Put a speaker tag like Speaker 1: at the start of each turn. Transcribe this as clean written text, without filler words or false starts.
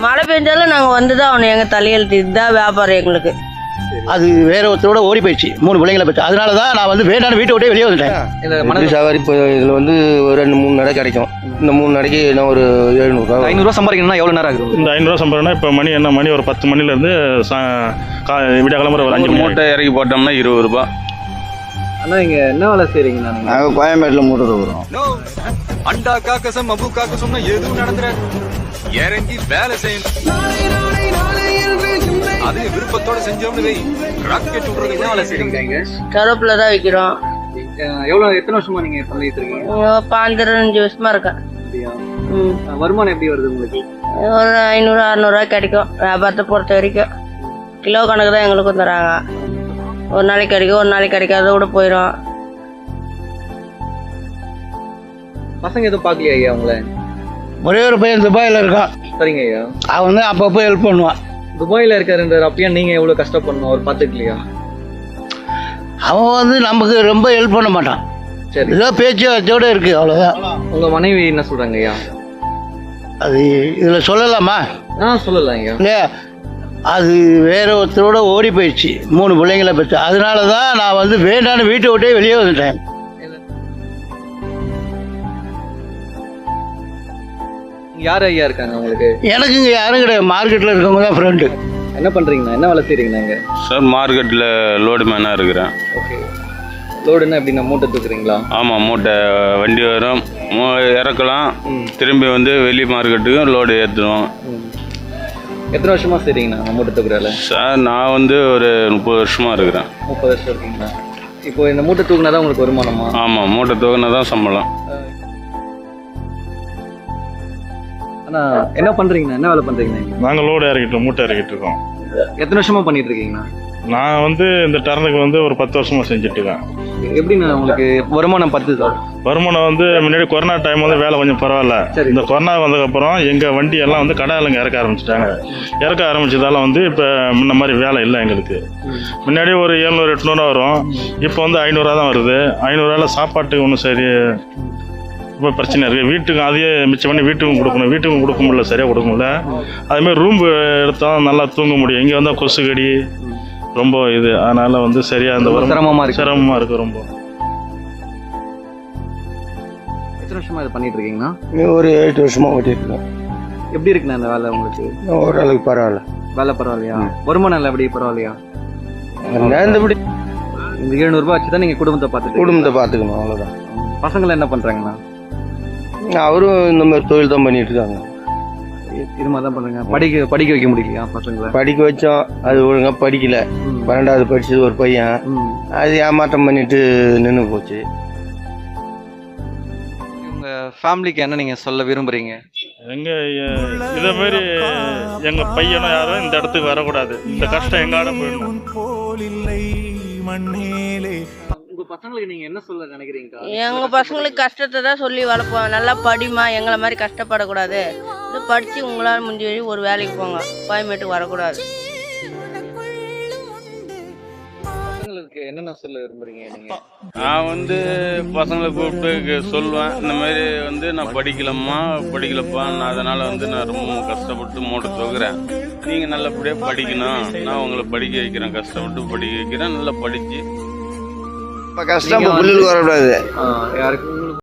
Speaker 1: மழை பெஞ்சாலும் நாங்கள் வந்து தான் அவனை எங்கள் தலையெழுத்து இதுதான் வியாபாரம் எங்களுக்கு.
Speaker 2: அது வேற ஒருத்தரோட ஓடி போயிடுச்சு, 3 பிள்ளைங்களை பற்றி. அதனால தான் நான் வந்து வேண்டாம் வீட்டை விட்டே வெளியே வந்துட்டேன்.
Speaker 3: சவாரி இப்போ இதில் வந்து ஒரு 2-3 நடை கிடைக்கும். இந்த 3 நடைக்கு என்ன ஒரு 700
Speaker 4: 500 சம்பாதிக்கணும்னா எவ்வளோ நேரம் ஆகுது?
Speaker 5: இந்த 500 சம்பாதிக்கணும்னா இப்போ மணி ஒரு 10 மணிலேருந்து விடிய கிளம்புற ஒரு 5
Speaker 6: மூட்டை இறக்கி போட்டோம்னா 20 ரூபா.
Speaker 4: ஆனால் இங்கே என்ன வேலை செய்கிறீங்கண்ணா?
Speaker 3: நாங்கள் கோயம்பேட்டில் மூட்டை தூக்குறோம்.
Speaker 7: அண்டா காக்கசம் அபு காக்கசம்னா எதுவும் நடந்துற இறங்கி வேலை செய்யணும். அதே விருப்பத்தோட செஞ்சோம்னு ராக்கெட் விட்றது என்ன வேலை செய்றீங்க?
Speaker 1: கருவேப்பிலை தான் விற்கிறோம்.
Speaker 4: எத்தனை வருஷமா நீங்கள் பண்ணிட்டு இருக்கீங்க?
Speaker 1: 15 வருஷமா இருக்கேன்.
Speaker 4: வருமானம் எப்படி வருது உங்களுக்கு?
Speaker 1: ஒரு 500-600 கிடைக்கும். வியாபாரத்தை பொறுத்த வரைக்கும் கிலோ கணக்கு தான் எங்களுக்கும் தராங்க. ஒரு நாளைக்கு கிடைக்கும், ஒரு நாளைக்கு கிடைக்காத கூட போயிடும்.
Speaker 4: பசங்க எதுவும் பார்க்கலையா ஐயா உங்களை?
Speaker 2: ஒரே ஒரு பையன் துபாயில் இருக்கான்.
Speaker 4: சரிங்க ஐயா.
Speaker 2: அவன் வந்து அப்பப்போ ஹெல்ப் பண்ணுவான்.
Speaker 4: துபாயில் இருக்காருன்றார், அப்பயே நீங்கள் எவ்வளோ கஷ்டப்படணும் அவர் பார்த்துக்கலையா?
Speaker 2: அவன் வந்து நமக்கு ரொம்ப ஹெல்ப் பண்ண மாட்டான்.
Speaker 4: சரி,
Speaker 2: ஏதோ பேச்சு வச்சோட இருக்கு, அவ்வளோதான்.
Speaker 4: உங்கள் மனைவி என்ன சொல்கிறாங்க ஐயா?
Speaker 2: அது இதில் சொல்லலாமா?
Speaker 4: சொல்லலாம் ஐயா.
Speaker 2: இல்லையா, அது வேற ஒருத்தரோட ஓடி போயிடுச்சு, 3 பிள்ளைங்களை பற்றி. அதனால தான் நான் வந்து வேண்டான்னு வீட்டை விட்டே வெளியே வந்துட்டேன்.
Speaker 4: யார் ஐயா இருக்காங்க உங்களுக்கு?
Speaker 2: எனக்கு இங்கே யாரும் கிடையாது, மார்க்கெட்டில் இருக்கவங்க தான் ஃப்ரெண்டு.
Speaker 4: என்ன பண்ணுறீங்கண்ணா? என்ன வேலை செய்கிறீங்கண்ணா இங்கே?
Speaker 6: சார் மார்க்கெட்டில் லோடு மேனாக இருக்கிறேன்.
Speaker 4: ஓகே, லோடுன்னா எப்படின்னா மூட்டை தூக்குறீங்களா?
Speaker 6: ஆமாம், மூட்டை வண்டி வரும், இறக்கலாம், திரும்பி வந்து வெளி மார்க்கெட்டுக்கும் லோடு ஏற்றுவோம்.
Speaker 4: எத்தனை வருஷமா செய்றீங்கண்ணா மூட்டை தூக்குறால?
Speaker 6: சார் நான் வந்து ஒரு 30 வருஷமாக இருக்கிறேன்.
Speaker 4: 30 வருஷம் இருக்கீங்களா? இப்போ இந்த மூட்டை தூக்குனா தான் உங்களுக்கு வருமானமா?
Speaker 6: ஆமாம், மூட்டை தூக்குனா தான் சம்பளம்.
Speaker 4: ஆனால் என்ன பண்ணுறீங்கண்ணா? என்ன வேலை பண்ணுறீங்கண்ணா?
Speaker 5: நாங்கள் லோடு இறக்கிட்டு மூட்டை இறக்கிட்டு இருக்கோம்.
Speaker 4: எத்தனை வருஷமா பண்ணிட்டு இருக்கீங்கண்ணா?
Speaker 5: நான் வந்து இந்த டர்னுக்கு வந்து ஒரு 10 வருஷமாக செஞ்சுட்டு இருக்கேன்.
Speaker 4: எப்படிண்ணா உங்களுக்கு வருமானம் 10 சார்?
Speaker 5: வருமானம் வந்து முன்னாடி கொரோனா டைம் வந்து வேலை கொஞ்சம் பரவாயில்ல. இந்த கொரோனா வந்ததுக்கப்புறம் எங்கள் வண்டி எல்லாம் வந்து கடையிலங்க இறக்க ஆரம்பிச்சிட்டாங்க. இறக்க ஆரம்பிச்சதால வந்து இப்போ முன்ன மாதிரி வேலை இல்லை எங்களுக்கு. முன்னாடி ஒரு 700-800 வரும், இப்போ வந்து 500 தான் வருது. 500 சாப்பாட்டுக்கு ஒன்றும் சரி ரொம்ப பிரச்சனை இருக்குது. வீட்டுக்கும் அதையே மிச்சம் பண்ணி வீட்டுக்கும் கொடுக்கணும், வீட்டுக்கும் கொடுக்க முடியல, சரியாக கொடுக்க முடியல. அதுமாதிரி ரூம் எடுத்தால் நல்லா தூங்க முடியும். இங்கே வந்தால் கொசு கடி ரொம்ப இது, அதனால வந்து சரியாக அந்த சிரமமாக இருக்குது ரொம்ப.
Speaker 4: எத்தனை வருஷமா இது பண்ணிட்டு இருக்கீங்கண்ணா?
Speaker 3: ஒரு 8 வருஷமாக ஓட்டிட்டு இருக்கேன்.
Speaker 4: எப்படி இருக்குண்ணா இந்த வேலை உங்களுக்கு?
Speaker 3: ஓரளவுக்கு பரவாயில்ல.
Speaker 4: வேலை பரவாயில்லையா? வருமானம் இல்லை எப்படி பரவாயில்லையா?
Speaker 3: நேர்ந்தபடி
Speaker 4: இந்த 700 ரூபாய் வச்சு தான் நீங்கள் குடும்பத்தை
Speaker 3: பார்த்துக்கணும், அவ்வளோதான்.
Speaker 4: பசங்களை என்ன பண்ணுறாங்கண்ணா?
Speaker 3: அவரும் இந்த மாதிரி தொழில் தான் பண்ணிட்டு இருக்காங்க.
Speaker 4: இது மாதிரி தான் பண்ணுங்க. படிக்க வைக்க முடியலையா பசங்களை?
Speaker 3: படிக்க வச்சோம், அது ஒழுங்காக படிக்கல. 12வது படிச்சது ஒரு பையன், அது ஏமாற்றம் பண்ணிட்டு நின்று போச்சு.
Speaker 4: உங்கள் ஃபேமிலிக்கு என்ன நீங்கள் சொல்ல விரும்புகிறீங்க?
Speaker 5: இதே மாதிரி எங்கள் பையனும் யாரும் இந்த இடத்துக்கு வரக்கூடாது. இந்த கஷ்டம் எங்காட போயிடணும்.
Speaker 4: உங்கள் பசங்களுக்கு நீங்கள் என்ன சொல்ல நினைக்கிறீங்க?
Speaker 1: எங்கள் பசங்களுக்கு கஷ்டத்தை தான் சொல்லி வளர்ப்போம். நல்லா படிமா, எங்களை மாதிரி கஷ்டப்படக்கூடாது. இது படித்து உங்களால் முடிஞ்ச வழி ஒரு வேலைக்கு போங்க, கோயம்பேட்டுக்கு வரக்கூடாது.
Speaker 4: பசங்களுக்கு என்னென்ன சொல்ல விரும்புறீங்க நீங்கள்?
Speaker 6: நான் வந்து பசங்களை கூப்பிட்டு சொல்லுவேன், இந்த மாதிரி வந்து நான் படிக்கலப்பா, நான் அதனால் வந்து நான் ரொம்ப கஷ்டப்பட்டு மூட்டை தூக்குறேன். நீங்கள் நல்லபடியாக படிக்கணும், நான் உங்களை படிக்க வைக்கிறேன், கஷ்டப்பட்டு படிக்க வைக்கிறேன், நல்லா படித்து
Speaker 3: கஷ்டம் புள்ளில் வரக்கூடாது.
Speaker 4: யாருக்கு